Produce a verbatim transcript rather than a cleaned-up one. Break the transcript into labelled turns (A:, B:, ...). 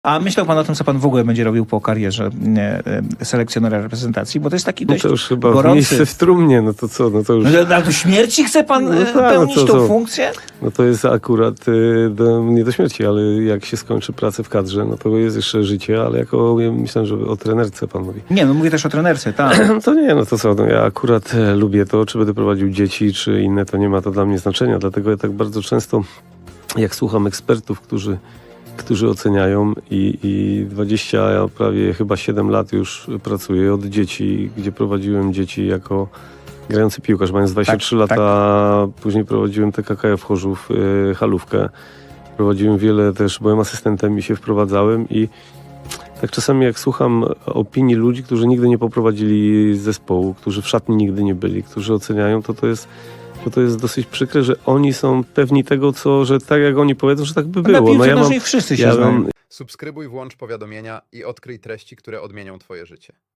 A: A myślał pan o tym, co pan w ogóle będzie robił po karierze e, e, selekcjonera reprezentacji? Bo to jest taki
B: No
A: dość
B: to już chyba
A: gorący...
B: miejsce w trumnie, no to co, no to już...
A: No, ale do śmierci chce pan
B: No
A: e,
B: tak, no
A: pełnić
B: to
A: tą
B: co?
A: funkcję?
B: No to jest akurat y, do, nie do śmierci, ale jak się skończy pracę w kadrze, no to jest jeszcze życie, ale jako, ja myślałem, że o trenerce pan mówi.
A: Nie, no mówię też o trenerce, tak.
B: To nie, no to co, no ja akurat e, lubię to, czy będę prowadził dzieci, czy inne, to nie ma to dla mnie znaczenia, dlatego ja tak bardzo często, jak słucham ekspertów, którzy, którzy oceniają i, i dwadzieścia, ja prawie chyba siedem lat już pracuję od dzieci, gdzie prowadziłem dzieci jako grający piłkarz, mając dwadzieścia trzy
A: Tak,
B: lata, później prowadziłem T K K F Chorzów, y, halówkę. Prowadziłem wiele też, byłem asystentem i się wprowadzałem i tak czasami jak słucham opinii ludzi, którzy nigdy nie poprowadzili zespołu, którzy w szatni nigdy nie byli, którzy oceniają, to to jest, to to jest dosyć przykre, że oni są pewni tego, co, że tak jak oni powiedzą, że tak by było.
A: Na piłce
B: No ja mam,
A: nożnej wszyscy się
B: ja
A: znają.
B: mam
C: Subskrybuj, włącz powiadomienia i odkryj treści, które odmienią twoje życie.